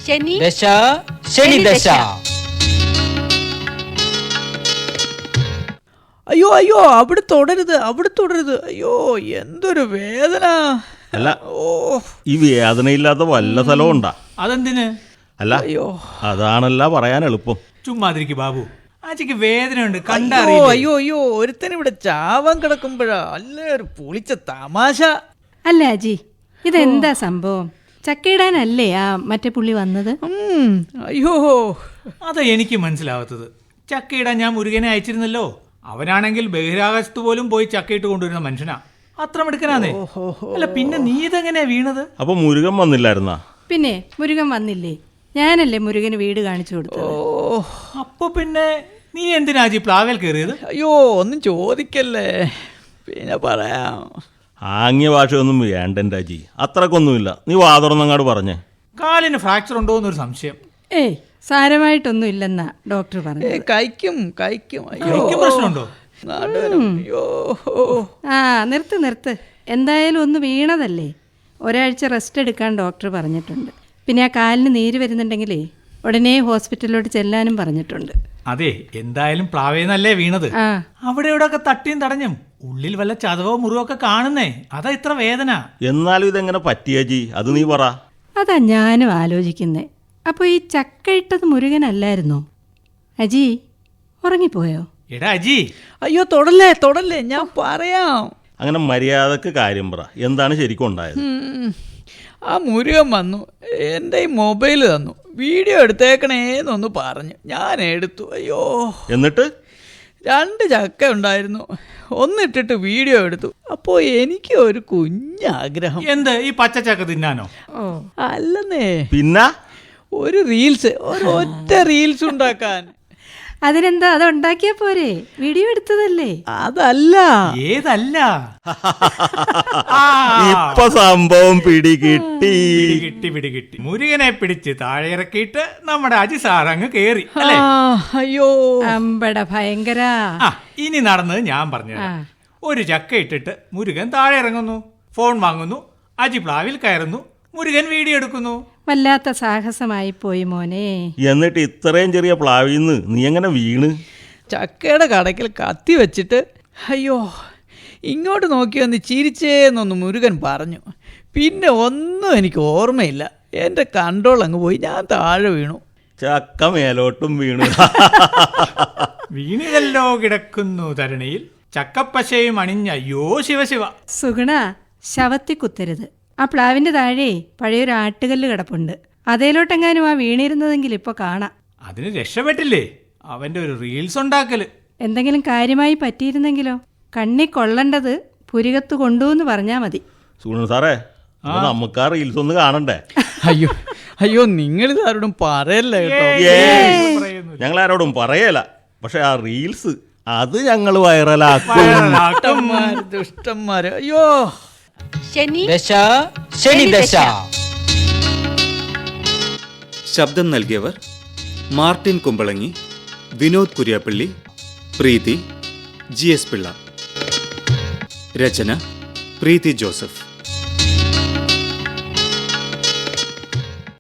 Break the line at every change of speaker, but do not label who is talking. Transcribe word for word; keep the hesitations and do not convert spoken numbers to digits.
ശനി
ദശ ശനി ദശ.
അയ്യോ അയ്യോ അവിടെ തുടരുത്, അവിടെ തുടരുത്. അയ്യോ എന്തൊരു വേദന.
അല്ല
ഓ
ഈ വേദനയില്ലാത്ത വല്ല സ്ഥലവും ഉണ്ടാ?
അതെന്തിന്?
അല്ല
അയ്യോ
അതാണല്ല പറയാൻ എളുപ്പം.
ചുമ്മാതിരിക്ക് ബാബു, ആച്ചിക്ക് വേദനയുണ്ട്
അയ്യോ
കണ്ടറിയില്ലേ?
അയ്യോ അയ്യോ ഒരുത്തൻ ഇവിടെ ചാവാൻ കിടക്കുമ്പോഴാ അല്ലേ ഒരു പൊളിച്ച തമാശ.
അല്ല അജി, ഇതെന്താ സംഭവം? ചക്കയിടാനല്ലേ ആ മറ്റേ പുള്ളി വന്നത്?
ഉം, അയ്യോ
അതാ എനിക്ക് മനസ്സിലാവാത്തത്. ചക്കയിടാൻ ഞാൻ മുരുകനെ അയച്ചിരുന്നല്ലോ. അവനാണെങ്കിൽ ബഹിരാകാശത്ത് പോലും പോയി ചക്കയിട്ട് കൊണ്ടുവരുന്ന മനുഷ്യനാ. അത്ര മിടുക്കനാന്നേ. അല്ല പിന്നെ നീ ഇതെങ്ങനെയാ വീണത്?
അപ്പൊ മുരുകൻ വന്നില്ലായിരുന്നാ?
പിന്നെ മുരുകൻ വന്നില്ലേ? ഞാനല്ലേ മുരുകന് വീട് കാണിച്ചു കൊടുത്തത്.
ഓ
അപ്പൊ പിന്നെ നീ എന്തിനാജി പ്ലാവേൽ കയറിയത്?
അയ്യോ ഒന്നും ചോദിക്കല്ലേ, പിന്നെ പറയാം.
ആംഗ്യ ഭാഷയൊന്നും വേണ്ട എൻ്റെ അജി, അത്രക്കൊന്നുമില്ല. നീ വാതുറന്നങ്ങാട് പറഞ്ഞേ.
കാലിന് ഫ്രാക്ചർ ഉണ്ടോ എന്നൊരു സംശയം.
ഏയ് സാരമായിട്ടൊന്നും ഇല്ലെന്നാ ഡോക്ടർ പറഞ്ഞു.
ഏ കഴിക്കും കഴിക്കും. അയ്യോ
എനിക്ക് പ്രശ്നമുണ്ടോ?
നടുവേദന. അയ്യോ
ആ നിർത്ത് നിർത്ത്. എന്തായാലും ഒന്ന് വീണതല്ലേ, ഒരാഴ്ച റെസ്റ്റ് എടുക്കാൻ ഡോക്ടർ പറഞ്ഞിട്ടുണ്ട്. പിന്നെ ആ കാലിന് നീര് വരുന്നുണ്ടെങ്കിലേ ഉടനെ ഹോസ്പിറ്റലിലോട്ട് ചെല്ലാനും പറഞ്ഞിട്ടുണ്ട്.
അതെ, എന്തായാലും പ്ലാവേന്നല്ലേ വീണത്.
ആ
അവിടെ ഇവിടെ ഒക്കെ തട്ടിയും തടഞ്ഞും ഉള്ളിൽ വല്ല ചതവോ മുറിവോ ഒക്കെ കാണുന്നേ, അതാ ഇത്ര വേദന.
എന്നാലും ഇതെങ്ങനെ പറ്റിയജി, അത് നീ പറ.
അതാ ഞാനും ആലോചിക്കുന്നേ. അപ്പോൾ ഈ ചക്ക ഇട്ടത് മുരുകനല്ലായിരുന്നോ? അജി ഉറങ്ങിപ്പോയോ?
എടാ അജി,
അയ്യോ തൊടല്ലേ തൊടല്ലേ, ഞാൻ പറയാം.
അങ്ങനെ മര്യാദക്ക് കാര്യം പറ, എന്താണ് ശരിക്കും ഉണ്ടായത്?
ഉം. ആ മുരുകൻ വന്നു, എൻ്റെ ഈ മൊബൈൽ തന്നു, വീഡിയോ എടുത്തേക്കണേന്നൊന്ന് പറഞ്ഞു. ഞാൻ എടുത്തു. അയ്യോ
എന്നിട്ട്
രണ്ട് ചക്ക ഉണ്ടായിരുന്നു, ഒന്നിട്ടിട്ട് വീഡിയോ എടുത്തു. അപ്പോൾ എനിക്ക് ഒരു കുഞ്ഞാഗ്രഹം.
എന്ത് ഈ പച്ചച്ചക്ക തിന്നാനോ?
ഓ
അല്ലെന്നേ,
പിന്നെ
ഒരു റീൽസ്, ഒരു ഒറ്റ റീൽസ് ഉണ്ടാക്കാൻ.
അതിനെന്താ, അത് ഉണ്ടാക്കിയാ പോരെ? വീഡിയോ എടുത്തതല്ലേ.
അതല്ല,
ഏതല്ല? ആ,
ഇപ്പൊ സംഭവം പിടികിട്ടി.
പിടികിട്ടി പിടികിട്ടി. മുരുകനെ പിടിച്ച് താഴെ ഇറക്കിയിട്ട് നമ്മുടെ അജി സാർ അങ്ങ് കേറി
ആ,
അല്ലേ?
അയ്യോ
അമ്പട ഭയങ്കര.
ആ ഇനി നടന്നത് ഞാൻ പറഞ്ഞു. ഒരു ചക്ക ഇട്ടിട്ട് മുരുകൻ താഴെ ഇറങ്ങുന്നു, ഫോൺ വാങ്ങുന്നു, അജി പ്ലാവിൽ കയറുന്നു, മുരുകൻ വീഡിയോ എടുക്കുന്നു.
വല്ലാത്ത സാഹസമായി പോയി മോനെ.
എന്നിട്ട് ഇത്രയും ചെറിയ പ്ലാവിന്ന് നീ എങ്ങനെ വീണ്?
ചക്കയുടെ കടക്കിൽ കത്തി വെച്ചിട്ട് അയ്യോ ഇങ്ങോട്ട് നോക്കി വന്ന് ചിരിച്ചേന്നൊന്ന് മുരുകൻ പറഞ്ഞു. പിന്നെ ഒന്നും എനിക്ക് ഓർമ്മയില്ല, എൻ്റെ കൺട്രോൾ അങ്ങ് പോയി, ഞാൻ താഴെ വീണു.
ചക്ക മേലോട്ടും വീണ്.
വീണിതല്ലോ കിടക്കുന്നു തരുണിയിൽ ചക്കപ്പശയും അണിഞ്ഞ അയ്യോ ശിവശിവ.
സുഗുണ, ശവത്തി കുത്തരുത്. ആ പ്ലാവിന്റെ താഴെ പഴയൊരു ആട്ടുകല്ല് കിടപ്പുണ്ട്, അതേലോട്ടെങ്ങാനും ആ വീണിരുന്നതെങ്കിൽ ഇപ്പൊ കാണാം.
അതിന് രക്ഷപ്പെട്ടില്ലേ അവന്റെ ഒരു റീൽസ് ഉണ്ടാക്കല്.
എന്തെങ്കിലും കാര്യമായി പറ്റിയിരുന്നെങ്കിലോ? കണ്ണി കൊള്ളേണ്ടത് പുരികത്ത് കൊണ്ടുവന്ന് പറഞ്ഞാ മതി.
സുഗുണൻ സാറേ, അപ്പൊ നമുക്ക് ആ റീൽസ് ഒന്ന് കാണണ്ടേ?
അയ്യോ അയ്യോ നിങ്ങളിത് ആരോടും പറയല്ലേ കേട്ടോ.
ഞങ്ങൾ ആരോടും പറയല, പക്ഷെ ആ റീൽസ് അത് ഞങ്ങൾ വൈറലാക്കും.
ദുഷ്ടന്മാര് ദുഷ്ടന്മാര്. അയ്യോ
ശനി ദശ ശനി ദശ.
ശബ്ദം നൽകിയവർ മാർട്ടിൻ കുമ്പളങ്ങി, വിനോദ് കുര്യാപ്പള്ളി, പ്രീതി, ജി എസ് പിള്ള. രചന പ്രീതി ജോസഫ്.